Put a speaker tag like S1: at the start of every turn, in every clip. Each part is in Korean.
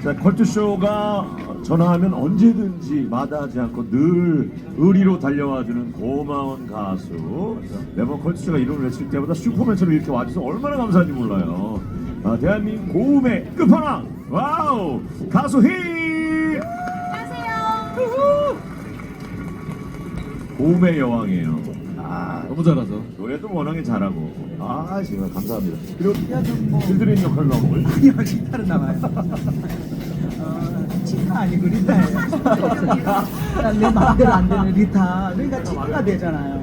S1: 자, 컬투쇼가 전화하면 언제든지 마다하지 않고 늘 의리로 달려와주는 고마운 가수. 매번 컬투쇼가 이름을 외칠 때마다 슈퍼맨처럼 이렇게 와줘서 얼마나 감사한지 몰라요. 대한민국 고음의 끝판왕, 와우, 가수 히!
S2: 안녕하세요.
S1: 고음의 여왕이에요.
S3: 너무 잘하죠.
S1: 노래도 워낙에 잘하고. 정말 감사합니다. 그리고 들드린 역할로 하고.
S4: 아니요, 기타는 나와요. 치타 아니고 리타예요. 내 마음대로 안 되는 리타. 그러니까 치타가 되잖아요.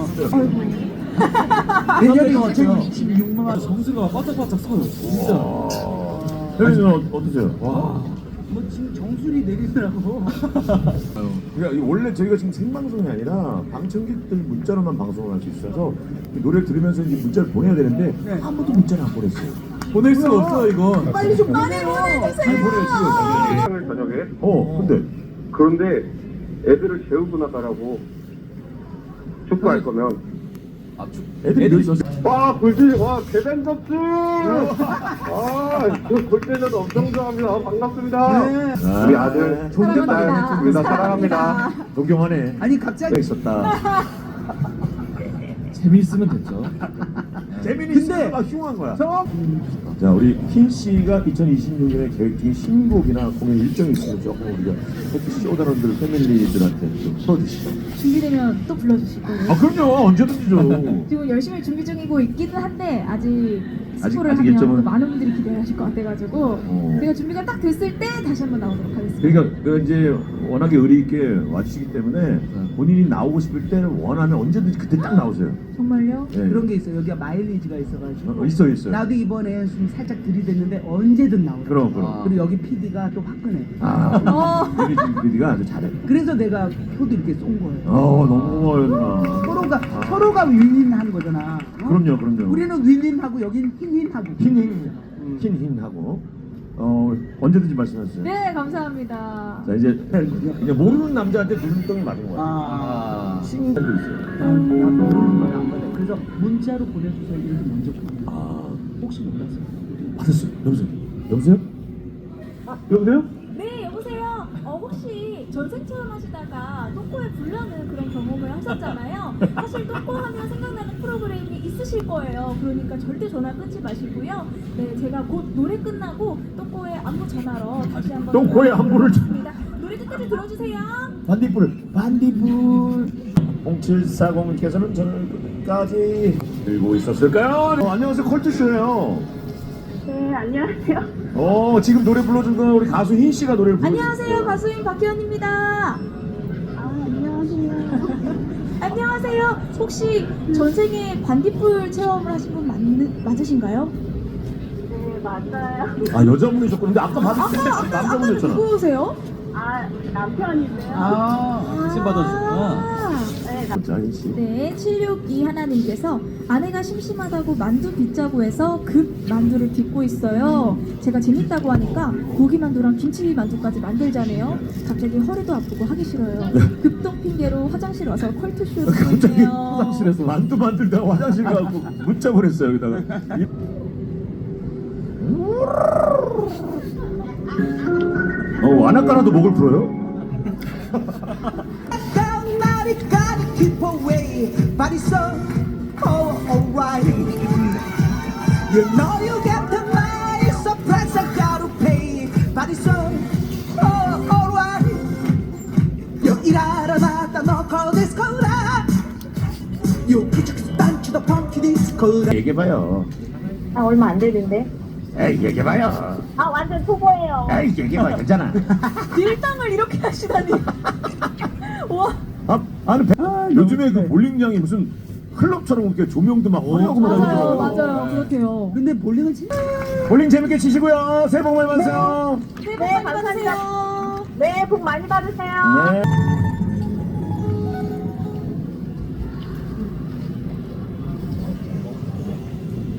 S4: 내년이 2026만.
S3: 정수가 바짝바짝 서요. 진짜.
S1: 혜린이는 어떠세요?
S4: 뭐 지금 정수리 내리더라고.
S1: 그러니까 원래 저희가 지금 생방송이 아니라 방청객들 문자로만 방송을 할 수 있어서 노래를 들으면서 이제 문자를 보내야 되는데 아무도 문자를 안 보냈어요.
S3: 보낼 수가 없어요, 이건.
S4: 빨리 좀
S2: 많이 보내주세요.
S1: 저녁에. 근데
S5: 그런데 애들을 재우고 나가라고 축구할 거면
S1: 애들이 몇 있었어요?
S5: 와 골대 와 대단 접수 그 골대전 엄청 좋아합니다. 반갑습니다. 우리 아들 존경합니다. 우리 다 사랑합니다.
S1: 동경하네.
S4: 아니 갑자기
S1: 있었다.
S3: 재미있으면 됐죠.
S1: 재민이
S4: 근데
S1: 씨가 막 흉한 거야. 자, 우리 흰 씨가 2026년에 계획 중인 신곡이나 공연 일정이 있으면 조금 우리가 쇼다런들 패밀리들한테 좀 풀어주시죠.
S2: 준비되면 또 불러주실 거예요.
S1: 그럼요. 언제든지죠.
S2: 지금 열심히 준비 중이고 있기는 한데 아직 스포를
S1: 아직
S2: 하면
S1: 일정은-
S2: 또 많은 분들이 기대하실 것 같아가지고 제가 준비가 딱 됐을 때 다시 한번 나오도록 하겠습니다.
S1: 그러니까 이제 워낙에 의리 있게 와주시기 때문에 본인이 나오고 싶을 때 원하면 언제든지 그때 딱 나오세요.
S2: 정말요?
S1: 예.
S4: 그런 게 있어요. 여기가 마일리지가 있어가지고.
S1: 있어요.
S4: 나도 이번에 좀 살짝 들이댔는데 언제든 나오라.
S1: 그럼.
S4: 그리고 여기 PD가 또 화끈해.
S1: 우리 지금 PD가 아주 잘해.
S4: 그래서 내가 표도 이렇게 쏜 거예요.
S1: 너무 고마워요, 누나.
S4: 서로가 윈윈한 거잖아. 어?
S1: 그럼요.
S4: 우리는 윈윈하고 여긴 흰윈하고.
S1: 흰하고. 언제든지 말씀하세요.
S2: 네, 감사합니다.
S1: 자, 이제 모르는 남자한테 눈덩이 맞은 거야. 신경도 있어요.
S4: 나 모르는 거야 안 받아. 그래서 문자로 보내주세요. 이렇게 먼저 보내. 혹시 몰랐어요?
S1: 받았어요. 여보세요? 여보세요?
S2: 네, 여보세요. 혹시 전생 체험 하시다가 똥꼬에 불나는 그런 경험을 하셨잖아요. 사실 똥꼬 하면 생각나는 프로그램이 있으실 거예요. 그러니까 절대 전화 끊지 마시고요. 네, 제가 곧 노래 끝나고 똥꼬에 안부 전화로 다시 한번
S1: 똥꼬에 안부를
S2: 드리겠습니다. 노래 끝까지 들어주세요.
S1: 반딧불 0740님께서는 저를 끝까지 들고 있었을까요? 안녕하세요, 컬투쇼예요.
S6: 네, 안녕하세요.
S1: 지금 노래 불러준 건 우리 가수 흰 씨가 노래를 불러줬어요.
S2: 안녕하세요, 가수인 박희연입니다.
S6: 안녕하세요.
S2: 안녕하세요. 혹시 전생에 반딧불 체험을 하신 분 맞으신가요?
S6: 네, 맞아요.
S1: 여자분이셨고 근데 아까 봤을 때
S2: 아까
S1: 남자분이었잖아.
S2: 누구세요?
S6: 남편인데요.
S3: 신 받아주셨구나.
S6: 네,
S1: 자, 흰 씨.
S2: 네, 762 하나님께서 아내가 심심하다고 만두 빚자고 해서 급 만두를 빚고 있어요. 제가 재밌다고 하니까 고기 만두랑 김치 만두까지 만들자네요. 갑자기 허리도 아프고 하기 싫어요. 급동 핑계로 화장실 와서 컬투쇼
S1: 갑자기
S2: 중이에요.
S1: 화장실에서 만두 만들다가 화장실 가고 문자 보냈어요. 여기다가. 안아까나도 목을 풀어요?
S4: keep away, but it's so alright. You know you get the money, so price I gotta pay, but it's so alright. You 일하러 나다 너 call this cola. You pitch to the pumpkin disco.
S1: 얘기해봐요.
S6: 얼마 안 되는데.
S1: 에이, 얘기해봐요.
S6: 완전 초보예요.
S1: 에이, 얘기해봐. 괜찮아.
S2: 딜당을 이렇게 하시다니. 와.
S1: 요즘에 그 볼링장이 무슨 클럽처럼 이렇게 조명도 막 화려하고 막
S2: 맞아요,
S1: 이러더라고요.
S2: 맞아요. 그렇대요.
S4: 근데 볼링은 진짜
S1: 볼링 재밌게 치시고요. 새해 복 많이 받으세요.
S2: 새해 복 많이 받으세요.
S6: 네, 복 많이 받으세요.
S1: 네.